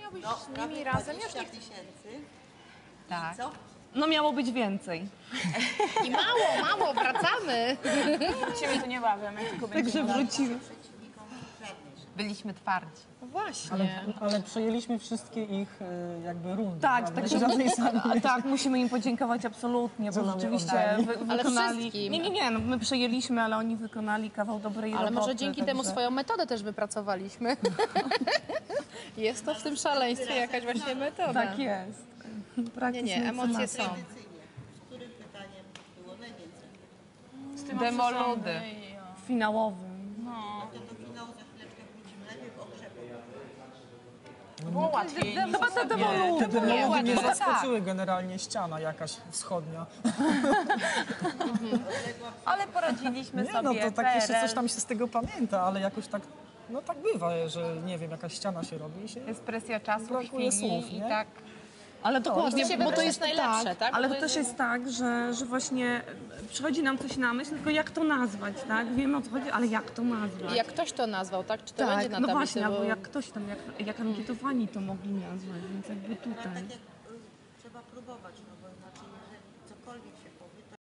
być z nimi razem. Ja już nie chcę. 20 000. Tak. Co? No miało być więcej. I mało, wracamy. Ciebie to nie bawiam, jak tylko Także wrócimy. Przeciwnikom żadnej rzeczy. Byliśmy twardzi. No właśnie. Ale przejęliśmy wszystkie ich jakby rundy. Tak, prawda? tak, Żadnej sami. tak, musimy im podziękować absolutnie, Co bo nam rzeczywiście oddali. Ale wykonali... wszystkim. Nie, no, my przejęliśmy, ale oni wykonali kawał dobrej Ale roboty. może dzięki temu swoją metodę też wypracowaliśmy. Jest to w tym szaleństwie jakaś właśnie metoda. Tak jest. Nie, emocje są. Z którym pytaniem było najwięcej? Demoludy. Finałowym. No to do finału za chwileczkę wrócimy. Najpierw o grzebu. Było łatwiej niż Chyba te demoludy. Te demoludy mnie tak. zaskoczyły generalnie, ściana jakaś wschodnia. Ale poradziliśmy Nie, sobie. no to tak jeszcze PRL. coś tam się z tego pamięta, ale jakoś tak, no tak bywa, że nie wiem, jakaś ściana się robi i się... jest presja czasu, Brakuje chwili słów, i nie? tak. Ale dokładnie, Właściwie bo to jest najlepsze, tak? Ale Bo to też jest tak, że właśnie przychodzi nam coś na myśl, tylko jak to nazwać, tak? Wiemy o co chodzi, ale jak to nazwać? Jak ktoś to nazwał, tak? Czy to będzie Tak, na no tablicy? właśnie, albo Bo- jak ktoś tam, jak ankietowani to mogli nazwać, więc jakby Ale tutaj. tak jak trzeba próbować, no bo inaczej jeżeli cokolwiek się